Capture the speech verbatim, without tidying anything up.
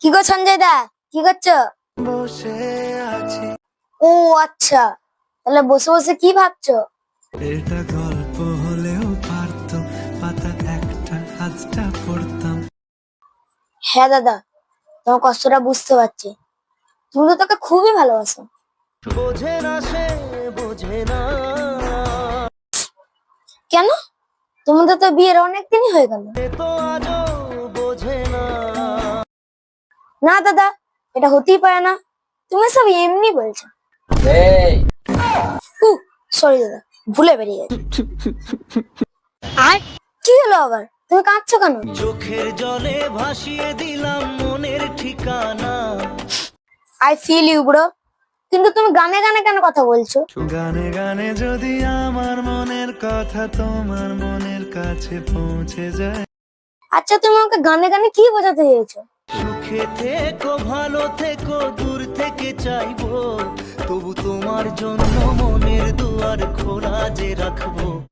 কি গো সঞ্জয় দা, কি করছো? বসে আছি। ও আচ্ছা, তাহলে বসে বসে কি ভাবছো? এটা গল্প হলেও পারতো, পাতা একটা আজটা পড়তাম। হ্যাঁ দাদা, তোমার কষ্টটা বুঝতে পারছি। তুমি তো তাকে খুবই ভালোবাসো। বোঝে না সে, বোঝে না। কেন? তোমাদের তো বিয়ের অনেক দিনই হয়ে গেল। সে তো আজও বোঝে না। না দাদা, এটা হতেই পারে না। তুমি সব এমনি বলছো। সরি দাদা, ভুলে বেরিয়ে গেছে। আর কি হলো আবার? তুমি কাঁদছো কেন? চোখের জলে ভাসিয়ে দিলাম মনের ঠিকানা। আই ফিল ইউ ব্রো, কিন্তু তুমি গানে গানে কেন কথা বলছো? গানে গানে যদি আমার মনের কথা তোমার মনের কাছে পৌঁছে যায়। আচ্ছা, তুমি আমাকে গানে গানে কি বোঝাতে চেয়েছো? সুখে থেকো, ভালো থেকো, দূর থেকে চাইবো, তবু তোমার জন্য মনের দুয়ার খোলা যে রাখবো।